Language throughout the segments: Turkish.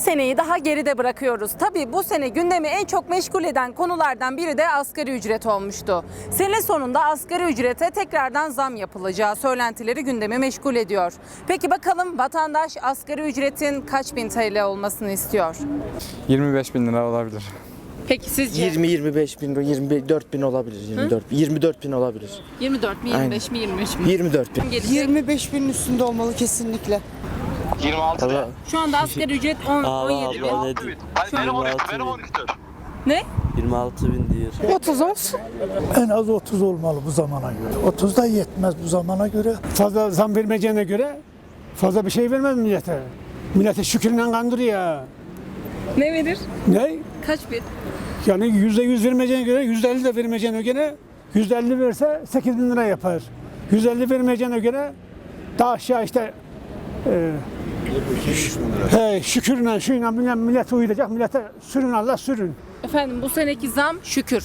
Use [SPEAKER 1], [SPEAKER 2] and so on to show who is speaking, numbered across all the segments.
[SPEAKER 1] seneyi daha geride bırakıyoruz. Tabii bu sene gündemi en çok meşgul eden konulardan biri de asgari ücret olmuştu. Sene sonunda asgari ücrete tekrardan zam yapılacağı söylentileri gündemi meşgul ediyor. Peki bakalım vatandaş asgari ücretin kaç bin TL olmasını istiyor?
[SPEAKER 2] 25 bin lira olabilir.
[SPEAKER 1] Peki sizce?
[SPEAKER 3] 20-25 bin, 24 bin olabilir. 24 bin olabilir.
[SPEAKER 1] 24 mi, 25 mi, 23 mi?
[SPEAKER 3] 24 bin.
[SPEAKER 4] 25 binin üstünde olmalı kesinlikle.
[SPEAKER 5] 26 bin.
[SPEAKER 1] Şu anda asgari ücret 17 bin.
[SPEAKER 5] 26 bin. Hayır benim 12, benim 12.
[SPEAKER 1] Ne?
[SPEAKER 6] 26 bin diyor.
[SPEAKER 4] 30 olsun.
[SPEAKER 7] En az 30 olmalı bu zamana göre. 30 da yetmez bu zamana göre. Fazla zam vermeyeceğine göre fazla bir şey vermez millete. Millete şükürle kandırıyor.
[SPEAKER 1] Ne verir?
[SPEAKER 7] Ne?
[SPEAKER 1] Kaç bin?
[SPEAKER 7] Yani %100 vermeyeceğine göre %50 de vermeyeceğine göre %50 verse 8 bin lira yapar. 150 vermeyeceğine göre daha aşağı işte şükürle şuyla millet uyuyacak. Millete sürün Allah sürün.
[SPEAKER 1] Efendim bu seneki zam şükür.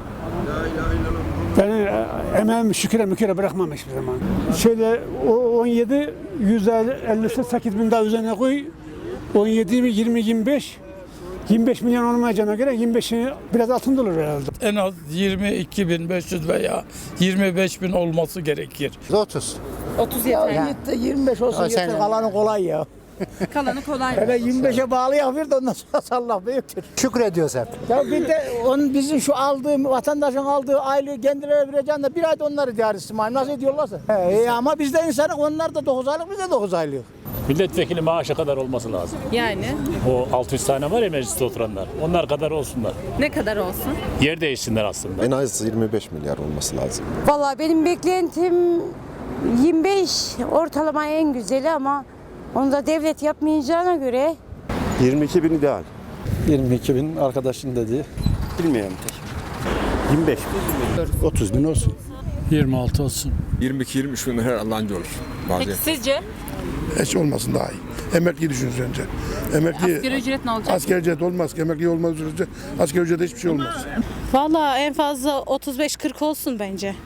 [SPEAKER 7] Ben emeğimi şüküre müküre bırakmam hiçbir zaman. Şöyle o 17, 150'si 8 bin daha üzerine koy. 17, 20, 25. 25 milyon olmayacağına göre 25'i biraz altında olur herhalde.
[SPEAKER 8] En az 22.500 veya 25.000 olması gerekir.
[SPEAKER 3] 30.
[SPEAKER 1] 30 yeter.
[SPEAKER 4] 25 olsun yeter. Kalanı kolay ya.
[SPEAKER 1] Kalanı kolay.
[SPEAKER 4] Hele 25'e bağlı yapıyor da ondan sonra Allah büyüktür.
[SPEAKER 3] Şükrediyoruz hep.
[SPEAKER 4] Ya bir de onun bizim şu aldığım vatandaşın aldığı aylığı kendilerine vereceğin de bir ayda onları idare etsin. Nasıl ediyorlarsa. Ama biz de insanız, onlar da 9 aylık, biz de 9 aylık.
[SPEAKER 9] Milletvekili maaşı kadar olması lazım.
[SPEAKER 1] Yani
[SPEAKER 9] O 600 tane var ya mecliste oturanlar. Onlar kadar olsunlar.
[SPEAKER 1] ne kadar olsun?
[SPEAKER 9] Yer değişsinler aslında.
[SPEAKER 10] En az 25 milyar olması lazım.
[SPEAKER 11] Vallahi benim beklentim 25 ortalama en güzeli ama onu da devlet yapmayacağına göre
[SPEAKER 10] 22 bin ideal.
[SPEAKER 6] 22 bin arkadaşın dediği.
[SPEAKER 10] Bilmiyorum. 25 bin.
[SPEAKER 7] 30 bin olsun.
[SPEAKER 8] 26 olsun.
[SPEAKER 10] 22-23 bin her anca olur.
[SPEAKER 1] Peki sizce?
[SPEAKER 7] Hiç olmasın daha iyi. Emekli düşünsün önce. Emekli
[SPEAKER 1] Asgari ücret ne olacak?
[SPEAKER 7] asgari ücret olmaz ki. Emekli olmaz sürece asgari ücrete hiçbir şey olmaz.
[SPEAKER 11] vallahi en fazla 35-40 olsun bence.